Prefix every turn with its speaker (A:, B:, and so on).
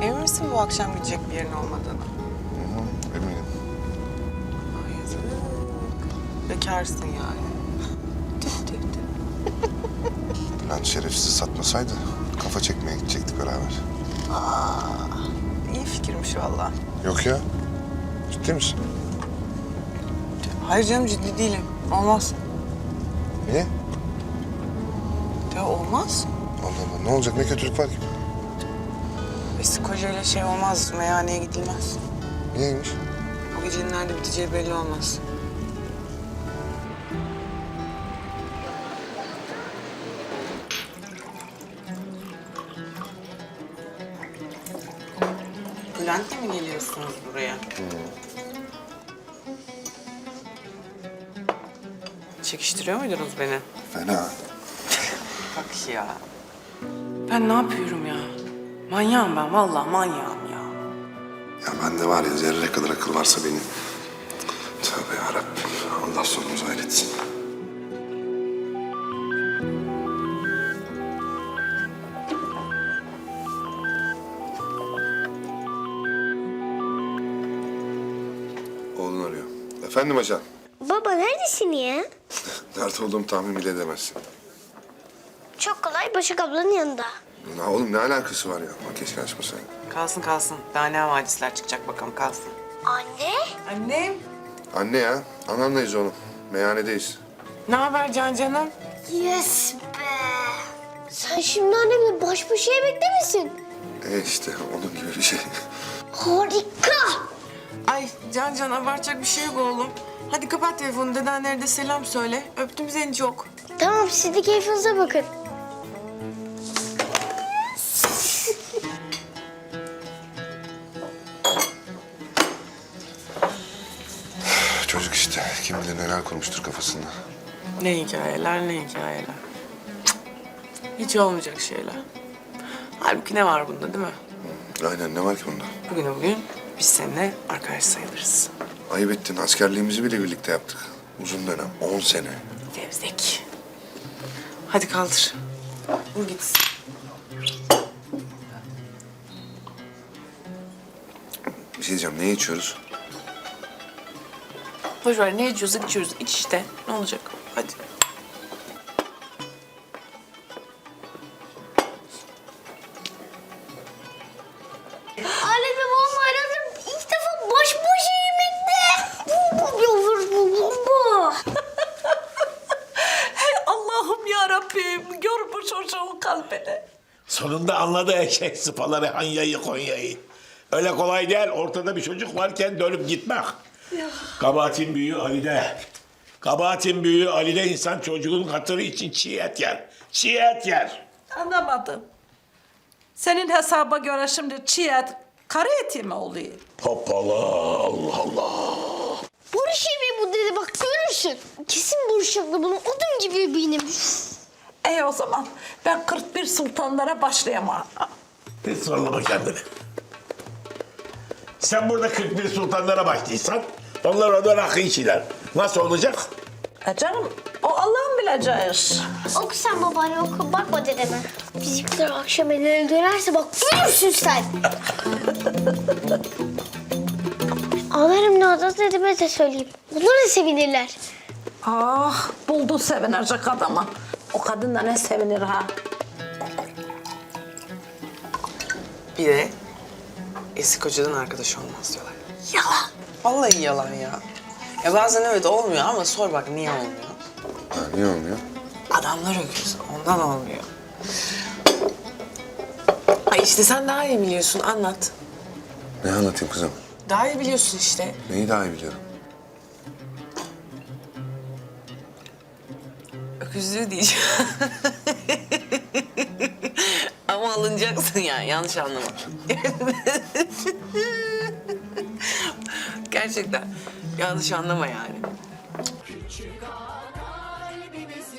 A: Emin misin bu akşam gidecek bir yerin olmadığını?
B: Eminim.
A: Ay yazık. Bekarsın yani. Tüh tüh tüh.
B: Lan şerefsizi satmasaydı kafa çekmeye gidecektik beraber.
A: İyi fikirmiş vallahi.
B: Yok ya. Ciddi misin?
A: Hayır canım ciddi değilim. Olmaz.
B: Niye?
A: Ya olmaz.
B: Allah Allah. Ne olacak? Ne kötülük var ki?
A: Eski kocayla şey olmaz. Meyhaneye gidilmez.
B: Niyeymiş?
A: O gecenin nerede biteceği belli olmaz. Bülent'le mi geliyorsunuz buraya? Çekiştiriyor muydunuz beni?
B: Fena.
A: Bak ya. Ben ne yapıyorum ya? Manyağım ben, vallahi manyağım ya.
B: Ya bende var ya zerre kadar akıl varsa benim. Tövbe yarabbim. Allah sonumuzu hayretsin. Oğlun arıyor. Efendim ajan.
C: Baba neredesin ya?
B: Nerede olduğumu tahmin bile edemezsin.
C: Çok kolay Başak ablanın yanında.
B: Ya oğlum ne alakası var ya? Bak keşke açmasaydın.
A: Kalsın kalsın. Daha ne havadisler çıkacak bakalım kalsın.
C: Anne?
A: Annem.
B: Anne ya. Anamlayız oğlum. Meyhanedeyiz.
A: Ne haber canım?
C: Yes be. Sen şimdi annemle baş başa yemekte misin?
B: İşte onun gibi bir şey.
C: Harika.
A: Ay Can abartacak bir şey yok oğlum. Hadi kapat telefonu, dedenlere de selam söyle. Öptüm seni çok.
C: Tamam siz de keyfinize bakın.
B: Çocuk işte. Kim bilir neler kurmuştur kafasında.
A: Ne hikayeler ne hikayeler. Cık. Hiç olmayacak şeyler. Halbuki ne var bunda değil mi?
B: Aynen ne var ki bunda?
A: Bugün biz seninle arkadaş sayılırız.
B: Ayıp ettin. Askerliğimizi bile birlikte yaptık. Uzun dönem. 10 sene.
A: Fevzek. Hadi kaldır. Vur gitsin.
B: Bir şey diyeceğim. Ne içiyoruz?
A: Boş ver ne içiyorsak içiyoruz. İç işte. Ne olacak? Hadi.
C: Annemle babam aradım. İlk defa baş başa yemekte. Bu.
D: Hey Allah'ım ya Rabbim, gör bu çocuğun kalbini.
E: Sonunda anladı eşek sıpaları Hanya'yı Konya'yı. Öyle kolay değil ortada bir çocuk varken dönüp gitmek. Kabahatin büyüğü Ali'de. Kabahatin büyüğü Ali'de insan çocuğun hatırı için çiğ et yer. Çiğ et yer.
D: Anlamadım. Senin hesaba göre şimdi çiğ et, karı eti mi oluyor?
E: Hoppala Allah Allah.
C: Barış yemeği bu dedi bak görürsün. Kesin Barış abla bunun odun gibi benim.
D: İyi o zaman ben 41 sultanlara başlayamam.
E: Hiç zorlama kendini. Sen burada 41 sultanlara başlıysan onlar orada rakı içiler. Nasıl olacak?
D: Canım o Allah'ın bileceği iş.
C: Oku sen babaanne oku bakma dedeme. Bizimkiler akşam ellerine dönerse bak görürsün sen. Ağlarım ne oldu dedeme de söyleyeyim. Bunlar da sevinirler.
D: Ah buldu sevinecek adamı. O kadın da ne sevinir ha.
A: Bir de eski kocadan arkadaş olmaz diyorlar.
D: Yalan.
A: Vallahi yalan ya. Ya bazen evet olmuyor ama sor bak niye olmuyor?
B: Ha, niye olmuyor?
A: Adamlar öküz. Ondan olmuyor. Ay işte sen daha iyi biliyorsun. Anlat.
B: Ne anlatayım kızım?
A: Daha iyi biliyorsun işte.
B: Neyi daha iyi biliyorum?
A: Öküzlüğü diyeceğim. Ama alınacaksın yani. Yanlış anlama. Gerçekten. Yanlış anlama yani.